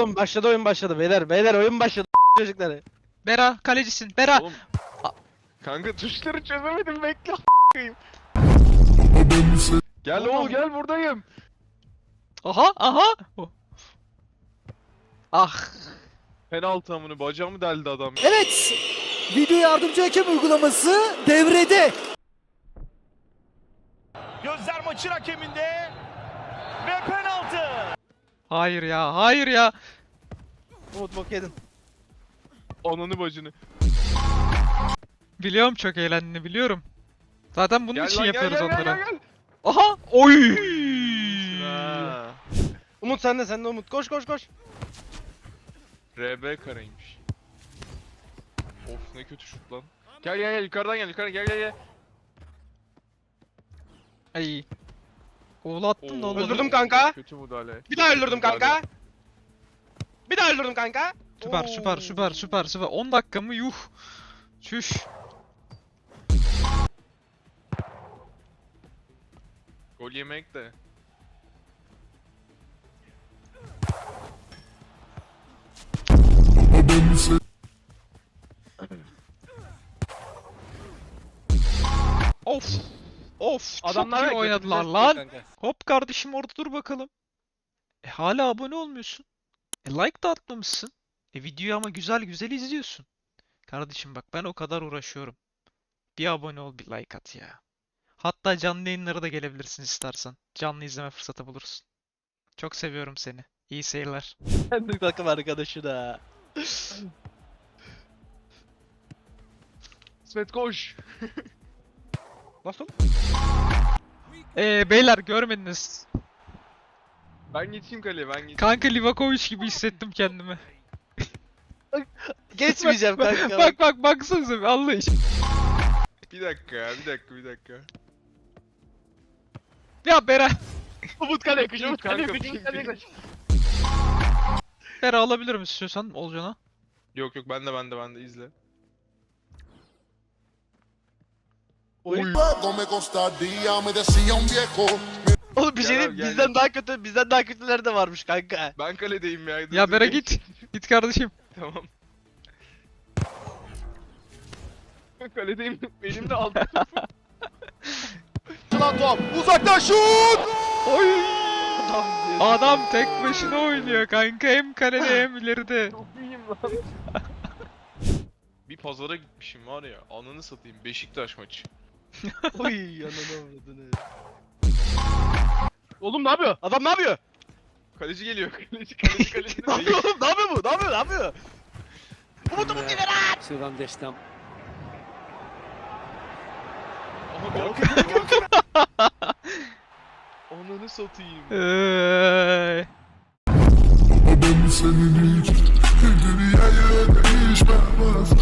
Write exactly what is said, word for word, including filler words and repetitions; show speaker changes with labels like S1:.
S1: Başladı, başladı oyun başladı beyler. Beyler oyun başladı çocukları.
S2: Bera kalecisin. Bera.
S3: Oğlum. Kanka tuşları çözemedim bekle a**ayım. Gel oğul gel buradayım.
S2: Aha aha. Oh. Ah.
S3: Penaltı amını bacağımı deldi adam.
S4: Evet, video yardımcı hakem uygulaması devrede.
S5: Gözler maçın hakeminde ve penaltı.
S2: Hayır ya. Hayır ya.
S1: Umut bok yedin.
S3: Ananı bacını.
S2: Biliyorum çok eğlendiğini biliyorum. Zaten bunun
S3: Gel
S2: için
S3: lan, gel,
S2: yapıyoruz
S3: gel, gel,
S2: onlara.
S3: gel, gel.
S2: Aha. Oy.
S3: Ha.
S1: Umut sende sende Umut. Koş koş koş.
S3: R B kareymiş. Of ne kötü şut lan. Gel gel gel yukarıdan gel yukarı gel gel gel.
S2: Ay. Oğlu attım da
S3: Oo,
S2: olmadı.
S1: Öldürdüm kanka.
S3: Kötü müdahale.
S1: Bir daha öldürdüm
S3: Müdahale.
S1: kanka. Bir daha öldürdüm kanka.
S2: Süper
S1: Oo.
S2: süper süper süper süper. on dakika mı? Yuh. Çüş.
S3: Gol yemek de.
S2: Of. Of.
S1: Adamlar
S2: çok iyi
S1: da
S2: oynadılar
S1: götümüze
S2: lan.
S1: sıkıyor kanka.
S2: Hop kardeşim orada dur bakalım. E hala abone olmuyorsun. E like da atmamışsın. E videoyu ama güzel güzel izliyorsun. Kardeşim bak ben o kadar uğraşıyorum. Bir abone ol bir like at ya. Hatta canlı yayınlara da gelebilirsin istersen. Canlı izleme fırsatı bulursun. Çok seviyorum seni. İyi seyirler.
S1: Kendi takım arkadaşı da.
S3: İsmet koş.
S1: Nasıl?
S2: Eee beyler görmediniz.
S3: Ben geçeyim kaleye ben geçeyim.
S2: Kanka Livakovic gibi hissettim kendimi.
S1: Geçmeyeceğim kanka.
S2: Bak bak baksanıza bir Allah için.
S3: Bir dakika ya bir dakika bir dakika.
S2: Ya Bera.
S1: Umut kaleye koş. Umut
S3: Kanka,
S1: kaleye koş.
S3: ping,
S1: Umut kaleye
S3: ping.
S1: koş.
S2: Bera alabilirim istiyorsan Olcan'a.
S3: Yok yok bende bende bende izle.
S1: Oyun.
S6: Luego me costaría, me decía un viejo.
S1: Oğlum bir şey
S3: Gel
S1: diyeyim
S3: abi, gel,
S1: bizden
S3: gel.
S1: daha kötü bizden daha kötüleri de varmış kanka.
S3: Ben kaledeyim ya. dur,
S2: Ya
S3: dur,
S2: Bera
S3: geç.
S2: git. Git kardeşim.
S3: Tamam. Kaledeyim. Benim de aldım.
S4: Lan top, uzaktan şut!
S2: Oy.
S1: Adam diyor.
S2: Adam tek başına oynuyor kanka hem kalede hem ileride.
S3: Çok iyiyim lan. Bir pazara gitmişim var ya. Ananı satayım. Beşiktaş maçı.
S1: Oy ananı avradını. Oğlum ne yapıyor? Adam ne yapıyor?
S3: Kaleci geliyor. Kaleci kaleci kaleci.
S1: Ne yapıyor oğlum? Ne yapıyor bu? Ne yapıyor? Ne yapıyor? Umut Umut ileri at!
S4: Sur un destin.
S3: Aha kalkıyor. Ananı satayım.
S2: Eee.
S6: Ben senin için dünyayı